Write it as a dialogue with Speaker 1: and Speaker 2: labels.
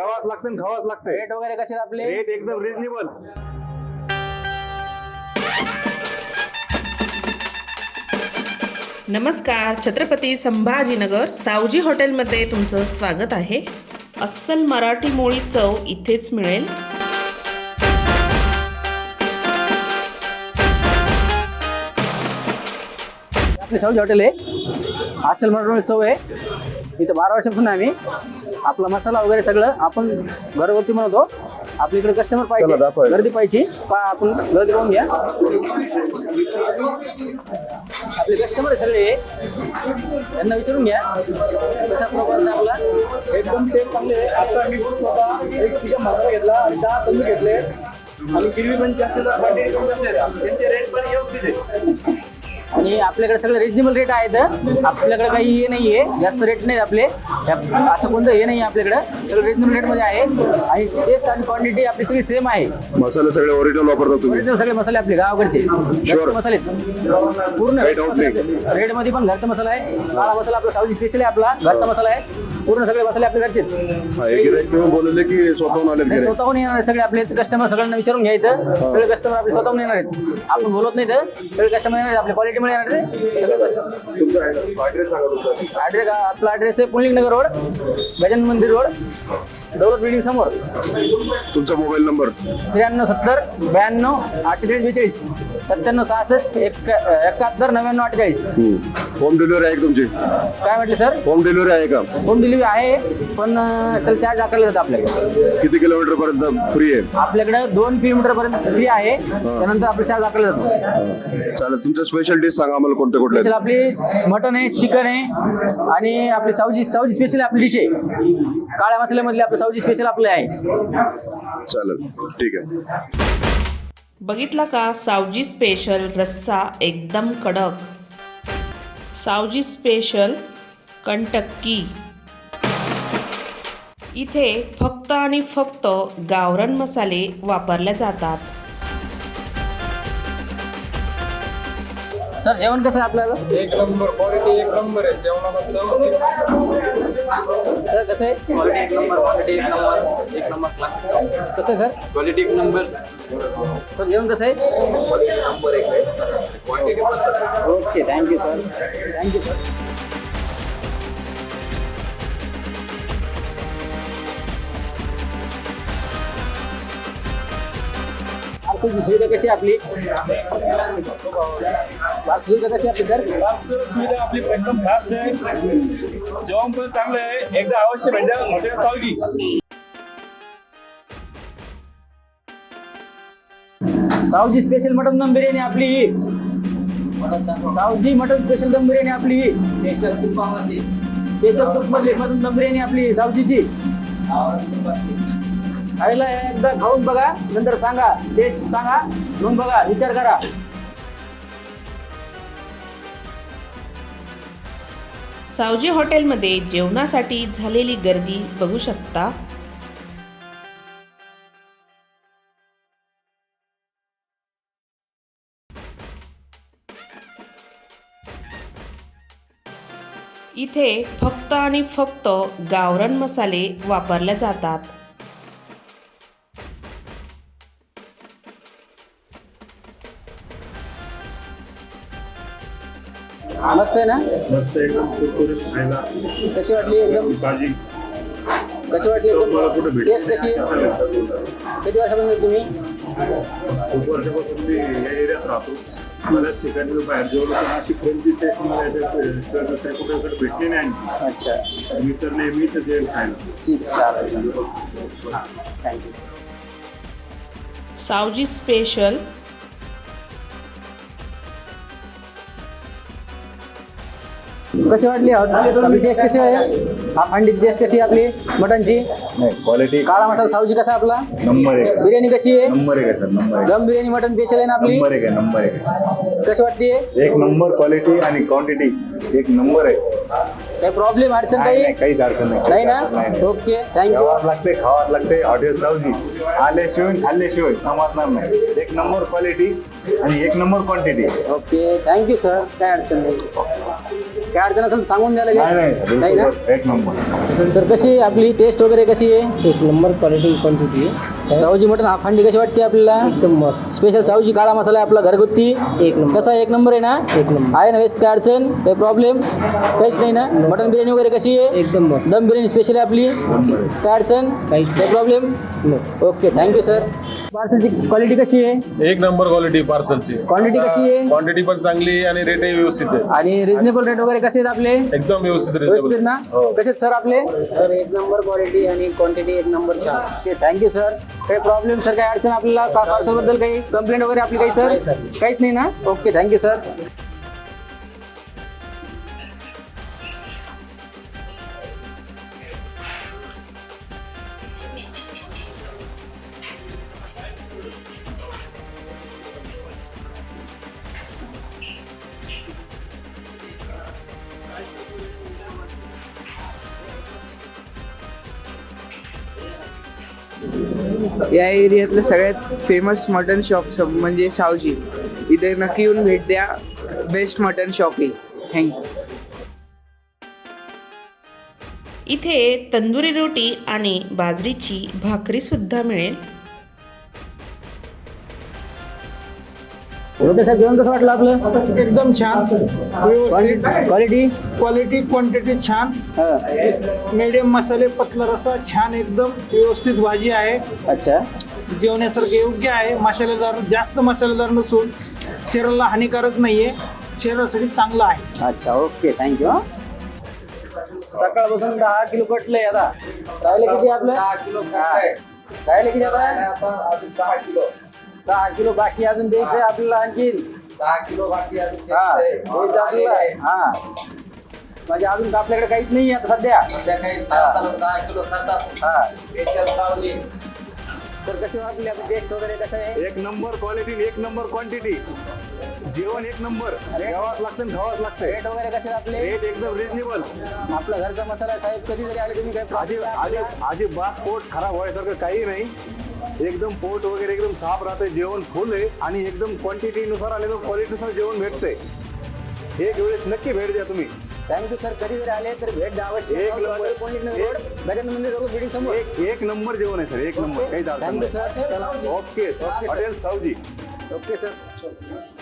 Speaker 1: घ्यावाच लागतं आणि खावाच लागतंय.
Speaker 2: रेट वगैरे कसे आहेत आपले?
Speaker 1: रेट एकदम रिजनेबल.
Speaker 3: नमस्कार, छत्रपती संभाजीनगर सावजी हॉटेलमध्ये तुमचं स्वागत आहे. अस्सल मराठी मोळी चव इथेच मिळेल.
Speaker 2: आपली सावजी हॉटेल आहे, अस्सल मराठी चव आहे. इथं 12 वर्षापासून आम्ही आपला मसाला वगैरे सगळं आपण घरगुती बनवतो. आपल्या इकडे कस्टमर पाहिजे, गर्दी पाहिजे, आपण गर्दी पाहून घ्या. आपले कस्टमर सगळे त्यांना विचारून घ्या कसा प्रकार आपला.
Speaker 4: एकदम टेस्ट चांगले आहे. आता मी स्वतः एक चिकन मसाला घेतला आणि 10 तंदूर घेतले आणि गिरवी पण जास्त क्वांटिटी करून घेतले. त्यांचे रेट पण योग्य आहे
Speaker 2: आणि आपल्याकडे सगळे रिजनेबल रेट आहेत. आपल्याकडे काही हे नाही आहे, जास्त रेट नाही आपले. असं कोणतं हे नाही आपल्याकडे, सगळं रिजनेबल रेटमध्ये आहे. आणि टेस्ट आणि क्वांटिटी आपली सगळी सेम आहे.
Speaker 1: मसाले सगळे ओरिजिनल वापरता तुम्ही?
Speaker 2: ओरिजिनल सगळे मसाले आपले गावाकडचे घरचे मसाले पूर्ण रेटमध्ये पण घरचा मसाला आहे. काळा मसाला आपला सावजी स्पेशल आहे, आपला घरचा मसाला आहे. पूर्ण सगळे मसाले आपले घरचे
Speaker 1: बोलले की स्वतःहून आले?
Speaker 2: स्वतःहून येणार आहे सगळे आपले कस्टमर. सगळ्यांना विचारून घ्यायचं, सगळे कस्टमर आपले स्वतःहून येणार आहेत. आपण बोलत नाही तर सगळे कस्टमर येणार आहेत. आपल्या क्वालिटीमुळे येणार आहे सगळे कस्टमर. ॲड्रेस आपला ॲड्रेस आहे पुलिंग नगर रोड, गजानन मंदिर रोड, दौलत बिल्डिंग समोर.
Speaker 1: तुमचा मोबाईल नंबर?
Speaker 2: 93 70 92 48 42 97 66 71 99 48.
Speaker 1: होम डिलिव्हरी आहे का तुमची?
Speaker 2: काय म्हटलं सर?
Speaker 1: होम डिलिव्हरी आहे का?
Speaker 2: होम डिलिव्हरी आहे, पण त्याला चार्ज आकारला जातं आपल्याकडे.
Speaker 1: किती किलोमीटर पर्यंत फ्री आहे?
Speaker 2: आपल्याकडे 2 किलोमीटर पर्यंत फ्री आहे, त्यानंतर आपला चार्ज आकारला जातो.
Speaker 1: चालेल. तुमच्या स्पेशल डिश सांगा आम्हाला कोणत्या कुठल्या?
Speaker 2: स्पेशल आपली मटन आहे, चिकन आहे आणि आपली सावजी स्पेशल आपली डिश आहे. काळ्या मसाल्यामधली आपलं सावजी स्पेशल आपले आहे.
Speaker 1: चालेल, ठीक आहे.
Speaker 3: बघितला का सावजी स्पेशल रस्सा एकदम कडक. सावजी स्पेशल कंटक्की. इथे फक्त आणि फक्त गावरान मसाले वापरले जातात.
Speaker 2: सर जेवण कसं आहे आपल्याला?
Speaker 4: एक नंबर क्वालिटी, एक नंबर आहे जेवणाला चव.
Speaker 2: सर कसं आहे?
Speaker 4: क्वालिटी एक नंबर, क्वालिटी एक नंबर, एक नंबर क्लासिक चव.
Speaker 2: कसं आहे सर?
Speaker 4: क्वालिटी एक नंबर,
Speaker 2: सर जेवण कसं आहे?
Speaker 4: क्वालिटी नंबर एक आहे, क्वांटिटी पण.
Speaker 2: Okay, thank you sir, thank you sir. पार्सलची सुविधा कशी आहे आपली? पार्सल सुविधा कशी आपली सर?
Speaker 4: सुविधा आपली एकदम फास्ट आहे, जेवण पण चांगलं आहे. एकदा अवश्य भेटा hotel Saoji.
Speaker 2: Saoji special mutton dum biryani आपली ही. सावजी मटन स्पेशल दम बिर्याणी आपली ही. स्पेशल तुपामधली मटन दम बिर्याणी आपली सावजीची. खायला एकदा खाऊन बघा, नंतर सांगा, टेस्ट सांगा, मग बघा, विचार करा.
Speaker 3: सावजी हॉटेलमध्ये जेवणासाठी झालेली गर्दी बघू शकता. इथे फक्त आणि फक्त गावरान मसाले वापरले जातात.
Speaker 2: मस्त आहे ना?
Speaker 5: मस्त एकदम कुरकुरीत खायला.
Speaker 2: कशी वाटली एकदम?
Speaker 5: भाजी
Speaker 2: कशी वाटली
Speaker 5: मला कुठे
Speaker 2: एकदम?
Speaker 5: भेटली?
Speaker 2: टेस्ट कशी? किती वर्षापासून तुम्ही?
Speaker 5: खूप वर्षापासून मी या एरियात राहतो. बऱ्याच ठिकाणी मी बाहेर जेवलो, पण अशी कोणती टेस्ट मला कुठे भेटली नाही आणखी.
Speaker 2: अच्छा,
Speaker 5: मी तर नेहमी तर जेवण खायला.
Speaker 2: ठीक आहे, चालेल. थँक्यू.
Speaker 3: सावजी स्पेशल
Speaker 2: कशी वाटली आपली टेस्ट कशी आहे? अंडीची टेस्ट कशी आहे आपली मटनची?
Speaker 5: क्वालिटी
Speaker 2: काळा मसाला सावजी कसा आपला?
Speaker 5: नंबर एक.
Speaker 2: बिर्याणी कशी आहे?
Speaker 5: नंबर एक आहे सर, नंबर एक.
Speaker 2: दम बिर्याणी मटन स्पेशल आहे ना आपली?
Speaker 5: नंबर एक आहे, नंबर एक आहे.
Speaker 2: कशी वाटते?
Speaker 5: एक नंबर क्वालिटी आणि क्वांटिटी एक नंबर आहे.
Speaker 2: काही प्रॉब्लेम अडचण
Speaker 5: नाही,
Speaker 2: काही
Speaker 5: काहीच अडचण
Speaker 2: नाही
Speaker 5: नाही
Speaker 2: ना?
Speaker 5: नाही.
Speaker 2: Okay, thank you.
Speaker 5: खावाच लागते, खावाच लागते. हॉटेल सावजी आल्याशिवाय खाल्ल्याशिवाय समजणार नाही. एक नंबर क्वालिटी आणि एक number quantity.
Speaker 2: Okay, thank you sir, काय अडचण नाही. काय अडचण असेल तर सांगून द्यायला लागेल नाही ना
Speaker 5: एक नंबर.
Speaker 2: सर कशी आहे आपली टेस्ट वगैरे कशी आहे
Speaker 6: एक नंबर क्वालिटी क्वांटिटी आहे
Speaker 2: सावजी मटन हाफ हंडी कशी वाटते आपल्याला
Speaker 6: एकदम मस्त
Speaker 2: स्पेशल सावजी काळा मसाला आहे आपला घरगुती
Speaker 6: एक नंबर
Speaker 2: कसा आहे? एक नंबर आहे ना
Speaker 6: एक नंबर
Speaker 2: आहे ना वेस्ट काय अडचण काही प्रॉब्लेम काहीच नाही ना मटन बिर्याणी वगैरे कशी आहे
Speaker 6: एकदम मस्त
Speaker 2: दम बिर्याणी स्पेशल आहे आपली काय अडचण
Speaker 6: काहीच
Speaker 2: काही प्रॉब्लेम
Speaker 6: नाही
Speaker 2: ओके थँक्यू सर पार्सलची क्वालिटी कशी आहे
Speaker 7: एक नंबर क्वालिटी पार्सलची
Speaker 2: क्वांटिटी कशी आहे
Speaker 7: क्वांटिटी पण चांगली आहे आणि रेटही व्यवस्थित आहे.
Speaker 2: आणि रिजनेबल रेट वगैरे कसे आहेत आपले
Speaker 7: एकदम व्यवस्थित
Speaker 2: व्यवस्थित
Speaker 7: रिजनेबल.
Speaker 2: ना
Speaker 7: हो.
Speaker 2: कसे आहेत सर आपले
Speaker 6: सर एक नंबर क्वालिटी आणि क्वांटिटी एक नंबर छान
Speaker 2: ओके थँक्यू सर काही प्रॉब्लेम सर काही अडचण आपल्याला पार्सल बद्दल काही कंप्लेंट वगैरे आपली काही
Speaker 6: नाही,
Speaker 2: सर
Speaker 6: sir.
Speaker 2: काहीच नाही ना ओके थँक्यू सर
Speaker 8: या एरियातलं सगळ्यात फेमस मटन शॉप म्हणजे सावजी. इथे नक्की येऊन भेट द्या. बेस्ट मटन शॉप आहे. थँक्यू.
Speaker 3: इथे तंदुरी रोटी आणि बाजरीची भाकरीसुद्धा मिळेल.
Speaker 2: ओके सर जेवण कसं वाटलं आपलं
Speaker 9: एकदम छान व्यवस्थित
Speaker 2: क्वालिटी
Speaker 9: क्वालिटी क्वांटिटी छान मीडियम मसाले पतला रसा छान एकदम व्यवस्थित भाजी आहे
Speaker 2: अच्छा
Speaker 9: जेवण्यासारखे योग्य आहे मसालेदार जास्त मसालेदार नसून शरीराला हानिकारक नाहीये शरीरासाठी चांगलं आहे
Speaker 2: अच्छा ओके थँक्यू सकाळपासून 10 किलो कटलंय आता राहिले किती आपलं 10 किलो राहिले किती आता 10 किलो बाकी अजून द्यायचं आहे आपल्याला आणखीन 10 किलो बाकी अजून द्यायचं आपल्याला हा म्हणजे अजून आपल्याकडे काहीच नाही आता सध्या 10 किलो हा तर कशी वाटली आपली टेस्ट वगैरे कसं आहे
Speaker 5: एक नंबर क्वालिटी एक नंबर क्वांटिटी जेवण एक नंबर घ्यावाच लागतं आणि खावाच लागतं.
Speaker 2: रेट वगैरे कसे आहेत आपले
Speaker 5: रेट एकदम रिजनेबल.
Speaker 2: आपला घरचा मसाला आहे साहेब कधी जरी आले तुम्ही काही
Speaker 5: अजिबात पोट खराब व्हायसारखं काही नाही. एकदम पोट वगैरे एकदम साफ राहते जेवण फुल आहे आणि एकदम क्वांटिटीनुसार आले तर क्वालिटीनुसार जेवण भेटते. एक वेळेस नक्की भेट द्या तुम्ही.
Speaker 2: थँक्यू सर कधी जरी आले तर भेट द्या अवश्य
Speaker 5: एक number.
Speaker 2: Gajanan Mandir road building समोर
Speaker 5: एक नंबर जेवण आहे सर एक नंबर काही
Speaker 2: thank you sir
Speaker 5: okay hotel Saoji.
Speaker 2: Okay sir